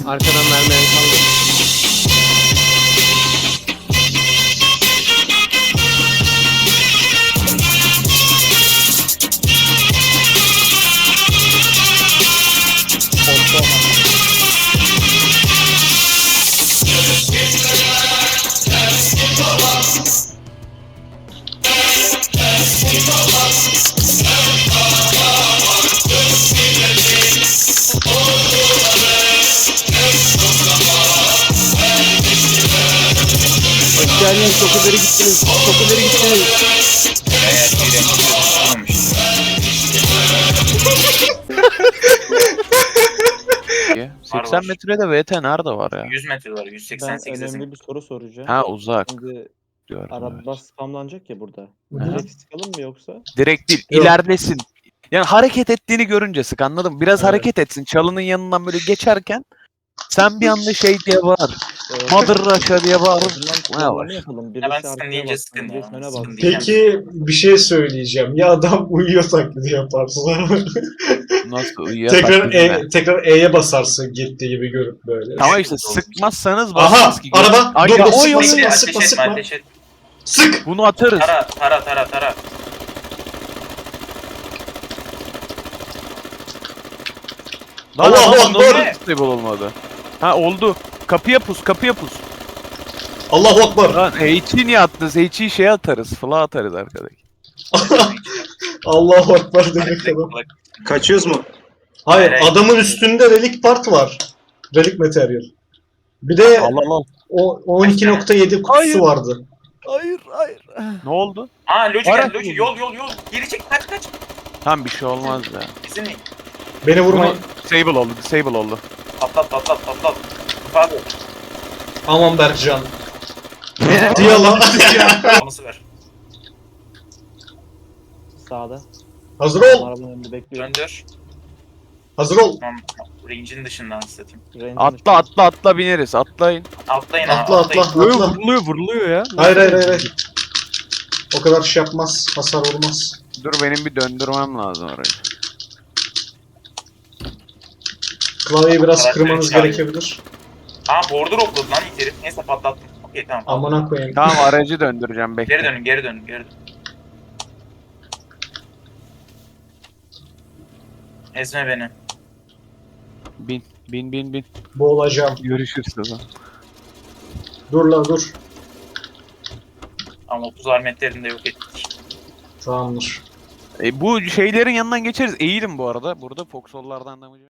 Arkadan mermiye kaldı. Hoş geldiniz. Çok ileri gittiniz. Çok ileri gittiniz. Evet, olmamış. 80 metrede VT nerede var ya? 100 metre var, Ben 188'e önemli bir soru soracağım. Ha uzak Şimdi diyorum. araba Evet. spamlanacak ya burada. Hı. Direkt sıkalım mı yoksa? Direkt değil, Yok. ilerlesin. Yani hareket ettiğini görünce sık, anladın mı? Biraz Evet. hareket etsin. Çalının yanından böyle geçerken sen bir anda şey diye bağır. Mother Russia diye O bağır. zaman Ne planlama var? yapalım. ben Birisi sıkın arkaya deyince baksın, sıkın ya. birisi öne Sıkın baksın. diyeceğim. Peki bir şey söyleyeceğim. Ya adam uyuyor taklidi yaparsın. Nasıl uyuyor? tekrar E'ye basarsın gitti gibi görüp böyle. Tamam işte sıkmazsanız Aha basmaz ki. araba Ay dur ya, dur oy, oy, sıkma oy. sıkma Ateş etme, sıkma sıkma. ateş et. Sık. Bunu atarız. Tara. Lan Allahu adam Ekber. nasıl stable olmadı? Ha oldu. Kapıya pus. Allahu Ekber. Lan H'yi niye attınız? H'yi şey atarız. Fla atarız arkadaki. Allahu Ekber demek adam. Kaçıyoruz mu? Hayır Hayır. adamın üstünde relik part var. Relik materyal. Bir de Allah. o 12.7 kutusu Hayır. vardı. Hayır. Ne oldu? Aa Loji Ara- geldi, Loji yol. Geri çek, kaç. Tam bir şey olmaz ya. Bizim Beni vurmayın. Disable oldu. patlat. Abi, Aman Berkcan. Diye lan. nasıl ver? Sağda. Hazır ol. Arabanın önünde bekliyor. Döndür. Hazır ol. Tamam, range'in dışından satayım. Range'in Atla bineriz. Atlayın. Atlayın Atla atlayın. atla atla. Vuruluyor ya. Hayır. O kadar şey yapmaz. Hasar olmaz. Dur benim bir döndürmem lazım orayı. Klavyeyi biraz Karakteri kırmanız çağırıyor. gerekebilir. Aa border okladı lan ilk herif. Neyse patlattım. Okey tamam. Amına koyayım. Tamam aracı döndüreceğim bekle. Geri dönün. Ezme beni. Bin. Boğulacağım. Görüşürüz o zaman. Dur la dur. Ama 30 armetlerini de yok ettik. Tamamdır. Bu şeylerin yanından geçeriz. Eğilim bu arada. Burada Foxhol'lardan da mı?